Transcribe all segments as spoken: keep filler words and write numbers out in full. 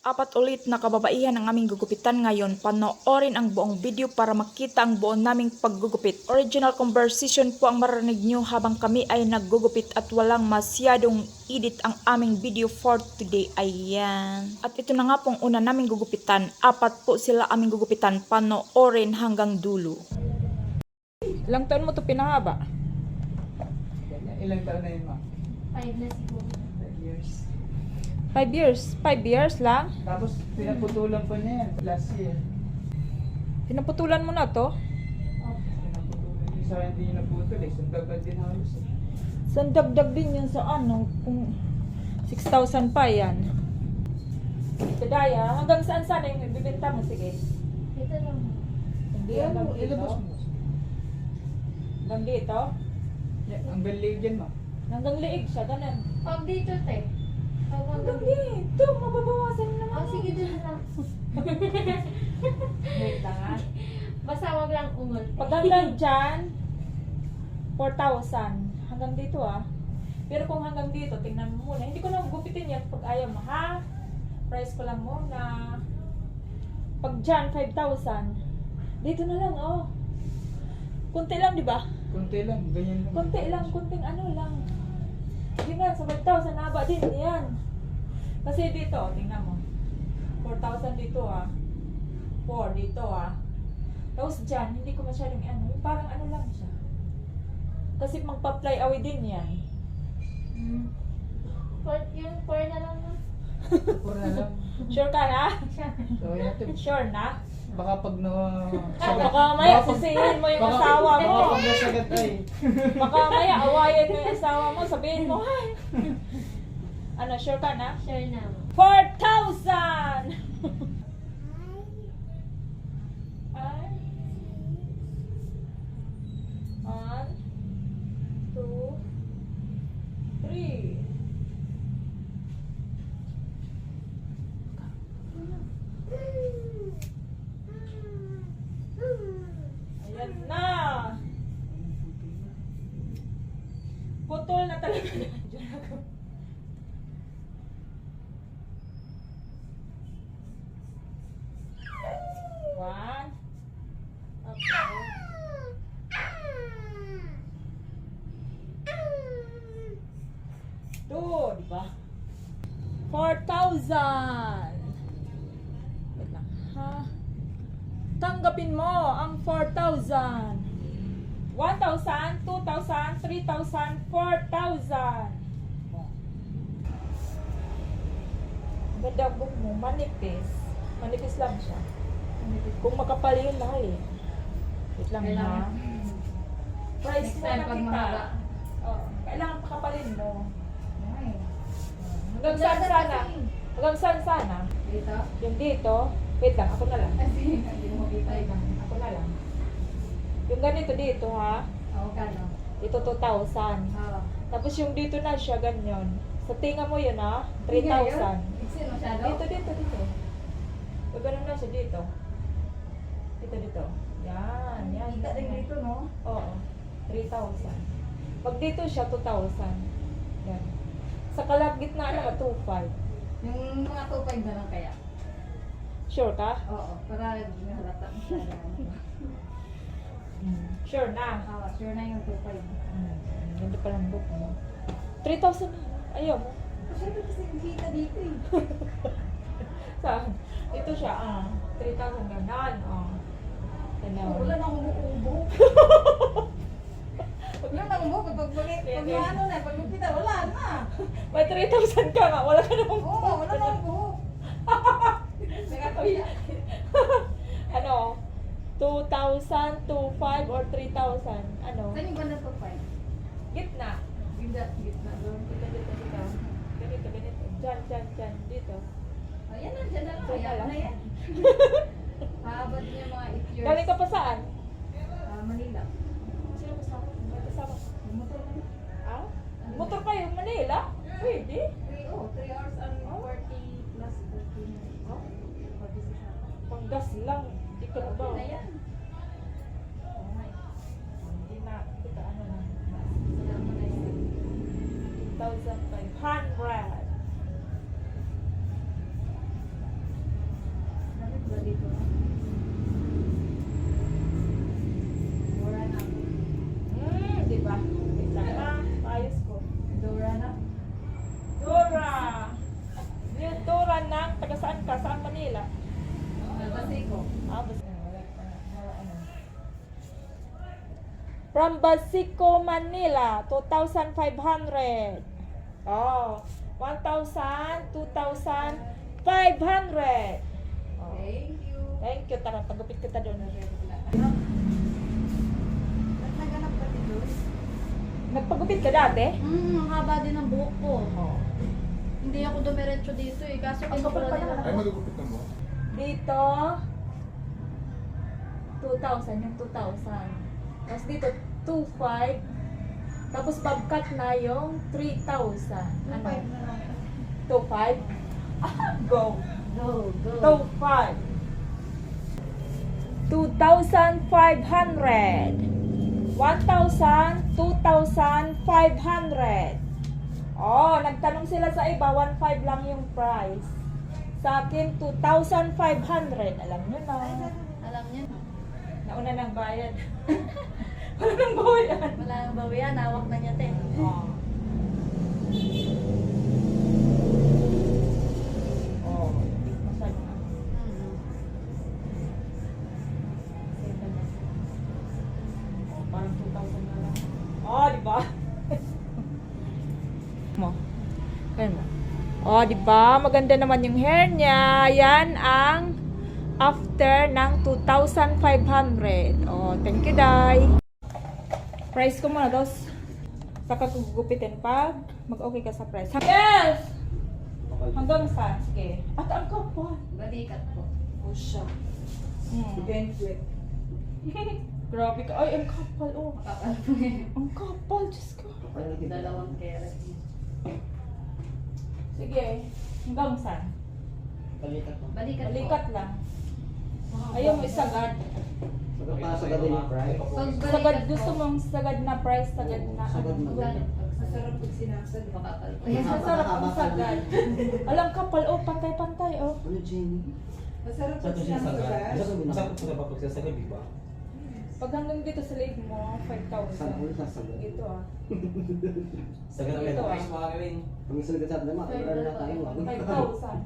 Apat ulit na kababaihan ang aming gugupitan ngayon. Panoorin ang buong video para makita ang buong naming paggugupit. Original conversation po ang marinig nyo habang kami ay naggugupit at walang masyadong edit ang aming video for today. Ayan. At ito na nga pong una naming gugupitan. Apat po sila aming gugupitan. Panoorin hanggang dulo. Ilang taon mo ito pinahaba? Ilang taon na yun, ma? Five na siguro. Five years. Five years? Five years lang? Tapos pinaputulan pa niya yan last year. Pinaputulan mo na to? Pinaputulan. Yung sa hindi naputol eh. Sundagad din halos eh. Sandagdag din yun sa ano, kung six thousand pa yan. Kadaya, hanggang saan sana yung ibibenta mo? Sige. Ito lang. Hindi, Yan, hanggang dito. ilabas mo. Hanggang dito? Yan, ang galing yan, ma. Hanggang liig siya, ganun. Pag dito, te. Pag Hanggang hanggang dito, mababawasan mo naman. Oh, sige dun lang. Wait lang ha. Basta wag lang umot. Pag hanggang dyan, four thousand. Hanggang dito ah. Pero kung hanggang dito, tingnan mo muna. Hindi ko na gupitin yan pag ayaw mo ha. Price ko lang muna. Pag dyan, five thousand. Dito na lang oh. Kunti lang di ba? Kunti lang, ganyan lang. Kunti lang, kunting ano lang. Hindi nga, sa five thousand haba din yan. Kasi dito, tingnan mo. four thousand dito ah. four dito ah. Tapos dyan, hindi ko masyadong ano. Parang ano lang siya. Kasi magpa-fly away din yan. Hmm. Four, yung four na lang na. Pura na lang. Sure ka na? So, yan ito. Sure na? Baka pag na... Oh, baka maya sisihin mo yung asawa mo. Baka pag nasagat ay. Baka maya awayan mo yung asawa mo. Sabihin mo, ay. Ano, sure ka na? Sure na. four thousand! Ay. One, two, three. Ayan na. Putol na talaga. One. Okay. Two, di ba? Four thousand. Wait lang, ha? Tanggapin mo ang four thousand. One thousand, two thousand, three thousand, four thousand. Ganda book mo, manipis. Manipis lang siya. Kung makapal yun lang eh. Wait lang ha. Kailangan. Price Next mo time na pag kita. mahaba. Oh, kailangan pakapalin mo. Ay. Hanggang saan sana? Hanggang saan sana? Dito? Yung dito. Wait lang, ako na lang. Kasi hindi mo kita Wait iba. lang, ako na lang. Yung ganito dito ha. Oo, kano? Ito two thousand. Oo. Tapos yung dito na siya ganyan. Sa tinga mo yun ha. three thousand. Iksin masyado? Dito, dito, dito. So, ganun na siya dito. Dito, dito. Yan, yan. Kita din dito, no? Oo. three thousand. Pag dito siya, two thousand. Yan. Sa kalagitna naman, two five. Yung mga two five na lang kaya? Sure ka? Oo, para hindi na halata masyado. Mm. Sure na. Oo, sure na yung two five. Mm. Ganda pa ng book mo. three thousand na. Ayaw mo. Masyado kasi kita dito eh. Sa, ito siya, ah. three thousand ganan, ah. Ganun. Wala na akong ubo. Wala na akong ubo. Pag pag pag ano na, pag kita, wala na. May three thousand ka nga, wala ka namang Oo, wala na akong ubo. Nagkakaya. Ano? two thousand, two five or three thousand? Ano? Saan yung banda two five? Gitna. Gitna, gitna doon. Dito, dito, dito. Ganito, ganito. Diyan, diyan, diyan. Dito. Ayan na, dyan na lang. Dyan na Ayan lang. na yan. Haba din yung mga eight years. Galing ka pa saan? Ah, Manila. Sino kasama? May kasama. Yung motor na. Ah? Motor kayo, Manila? Pwede. three, oh, three hours and forty plus forty minutes. Oh. forty-six hours. Panggas lang. Hindi ka na ba? Okay na yan. Hindi na. Kita ano na. Salamat na yan. two thousand five hundred. Basiko. Ah, bas- ah, wala pa na- wala ano. From Basico, Manila, two thousand five hundred. Oh, one thousand, two thousand five hundred. Oh. Thank you. Thank you. Tara, pagupit kita doon. Nagnaganap ka dito? Nagpagupit ka dati? Hmm, ang haba din ng buhok ko. Oo. Hindi ako dumiretso dito eh. Kaso Ang kapal pa nila. naman. Ay, magugupitan mo? Dito, two thousand, yung two thousand. Tapos dito, two point five. Tapos bobcat na yung three thousand. Ano? two point five? Ah, go. Go, go. two point five. two thousand five hundred. one thousand, two thousand five hundred. Oh, nagtanong sila sa iba, one point five lang yung price. Sa akin, two thousand five hundred. Alam nyo na. Alam niyo, Nauna ng bayad. Wala nang bayad. wala nang bawian. Hawak na niya, te. Oh. Oh, masyadong ano. Hmm. Oh, parang two thousand na lang. Oh, di ba? mo. Kaya mo. Oh, di ba? Maganda naman yung hair niya. Yan ang after ng two thousand five hundred. Oh, thank you, Day. Price ko muna, dos. Saka kung gugupitin pag mag-okay ka sa price. Yes! Hanggang saan? Sige. At ang kapal. Balikat ko. Oh, siya. Hmm. Grabe ka. Ay, ang kapal, oh. Makapal po eh. Ang kapal, Diyos ko. Dalawang keret. Sige. Hanggang saan? Balikat mo. Balikat ko. Balikat lang. Ayaw mo isagad. Magpapasok ka din yung price. Pag Sagad, balikat gusto ko, mong sagad na price, sagad na Sagad ano. na. magkano? Masarap pag sinasad. Makapal po. Yes, masarap ang sagad. Alam kapal, oh, pantay-pantay, oh. Ano, Jenny? Masarap Sa pag ito siya sinasad. sagad. Masakot ko na pa pagsasagad, di ba? Pag hanggang dito sa leg mo, five Saan thousand. ulit sasagad? Dito, ah. Sagad Ito, ka. ah. Kung gusto nagkasat naman, order na tayo. ah. five thousand.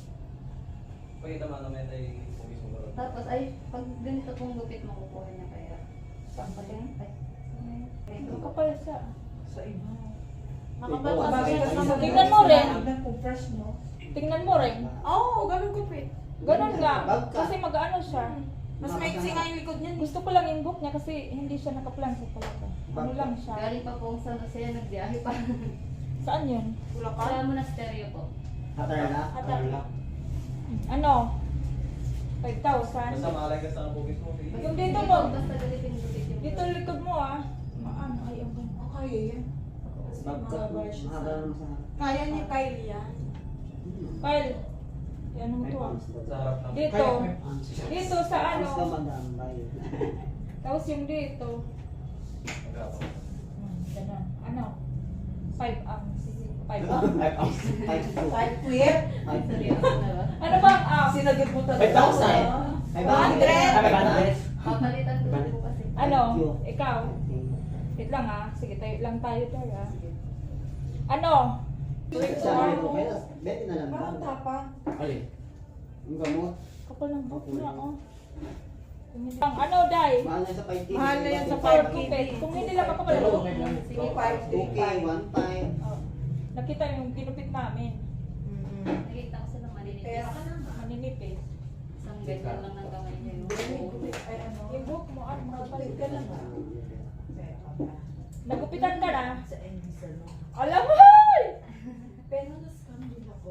Pakita mo naman ay pumis mo laro. Tapos ay, pag ganito pong gupit, makukuha niya kaya. Saan pa din? Ay, Ang kapal siya. Sa iba. makapal Ito, pa Bagay siya. kasi Tingnan sa- Tingnan mo rin. Tingnan kung fresh mo. Tingnan mo rin. Oo, oh, ganun ko pre. Ganun nga. Bagka. Kasi mag-ano siya. Mas maiksi nga yung likod niyan. Gusto ko lang yung book niya kasi hindi siya nakaplan sa talaga. Ano lang siya. Galing pa pong San Jose, nagbiyahe pa. Saan yun? Bulacan. Sa monasteryo po. Hatarla? Hatar. Hatarla. Ano? five thousand. Basta malay ka sa pumis mo. sige. Yung dito mo. Basta galitin gupit yung Dito likod mo ah. Maano? Ay, ang ganda. Oh, kaya yan. Kasi Bagkat mo. mahaba siya Mahaba sa- naman sa harap. Kaya ni Kylie yan. Kyle. Ano mo to ah? Sa harap ng Dito. Dito sa ano. Mas naman daan tayo. Tapos yung dito. Magapo. Hmm, ganun. Ano? five ang. five ang. Five ounce. Five two. Five queer. Five two. Seryoso na ba? Ano ba ang ang? Sinagad mo talaga. Five thousand. Five hundred. Five hundred. Papalitan ko lang po kasi. Ano? Thank you. Ikaw? Wait lang ah. Sige, tayo lang tayo tayo ah. Ano? Sabi mo kayo, bet na lang Parang ba? tapang. Alin? Yung gamot. Kapal ng book niya oh. Kung hindi lang, ano, Day? Mahal na sa five K. Mahal na yan sa Power five K. gupit. Kung hindi lang ako pala. Pero okay lang. Sige, five two K, one time. Oh. Nakita yung ginupit namin. Nakita ko sila maninipis. Kaya ka naman. Maninipis. Isang ganyan lang ng kamay niya yung Ay ano. Yung book mo, ano, makapalit ka lang ah. Kaya ka na. Nagupitan ka na. Sa English ano. Alam mo! Pero na-scam din ako.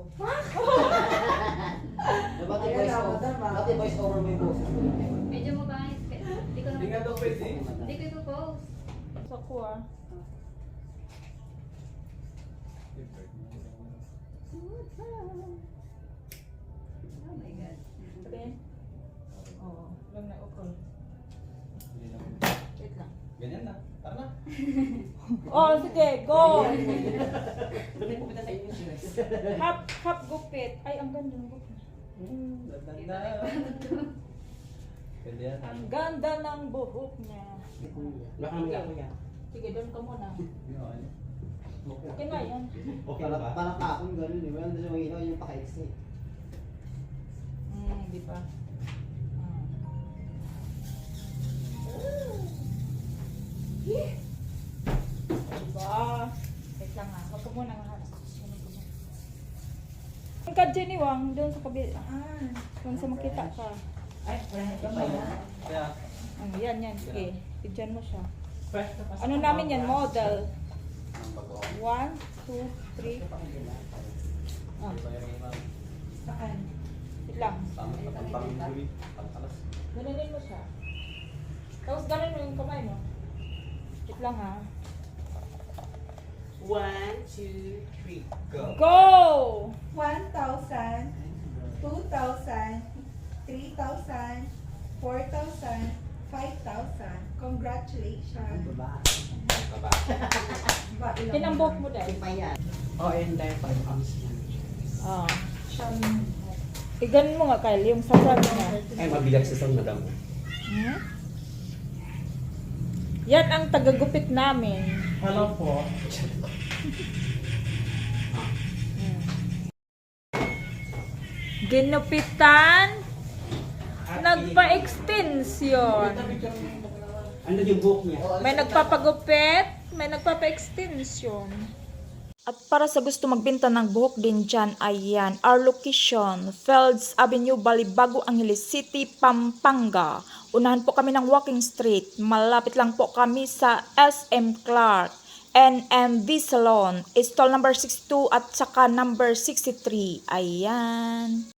Dapat Kaya i-voice lang, over. madam, ah. Dapat i-voice over mo yung boses mo. Medyo mabangis. Hindi ko Hindi nga naman. daw pwede. Hindi ko ipopost. Sa ko ah. Oh my God. Okay? Oo. Lang na ukol. Wait lang. Ganyan na. Tara na. Oh, sige, go! Dami po kita sa inyo, Shrex. Hap, hap gupit. Ay, ang ganda ng book. Ganda. Pwede yan. Ang ganda ng buhok niya. Baka naman ako yan. Sige, doon ka muna. Yun. Okay na yan. Okay na ba? Parang kakong gano'n eh. Wala na siya maginaw yung paka-X eh. Hmm, di ba? Jenny Wang, doon sa kabila. Ah, doon sa makita ka. Ay, wala na ito pa yan. Kaya, Ano, yan, yan. Okay, bigyan mo siya. Fresh na pa. Ano namin yan, model. ang bago. One, two, three. Ah, Ito yung iman. Saan? wait lang. Tama sa pangpanguli. Pangkalas. Ganunin mo siya. Tapos ganun mo yung kamay mo. Wait lang ha. One, two, three, go. Go! one thousand, two thousand, three thousand, four thousand, five thousand. Congratulations. Baba. Baba. Ba, ilang Pinambok mo dahil. Pa yan. Oh, and then five ounce yan. Ah. Siyam. Iganon mo nga, Kyle, yung sa front niya. Ay, mabigat sa sound, madam. Hmm? Yan ang tagagupit namin. Hello po. Hmm. Ginupitan, nagpa-extension. Ano yung book niya? May nagpapagupit, may nagpapa-extension. At para sa gusto magbenta ng buhok din dyan, ayan, our location, Fields Avenue, Balibago, Angeles City, Pampanga. Unahan po kami ng walking street. Malapit lang po kami sa S M Clark, N M V Salon, stall number sixty-two at saka number sixty-three. Ayan.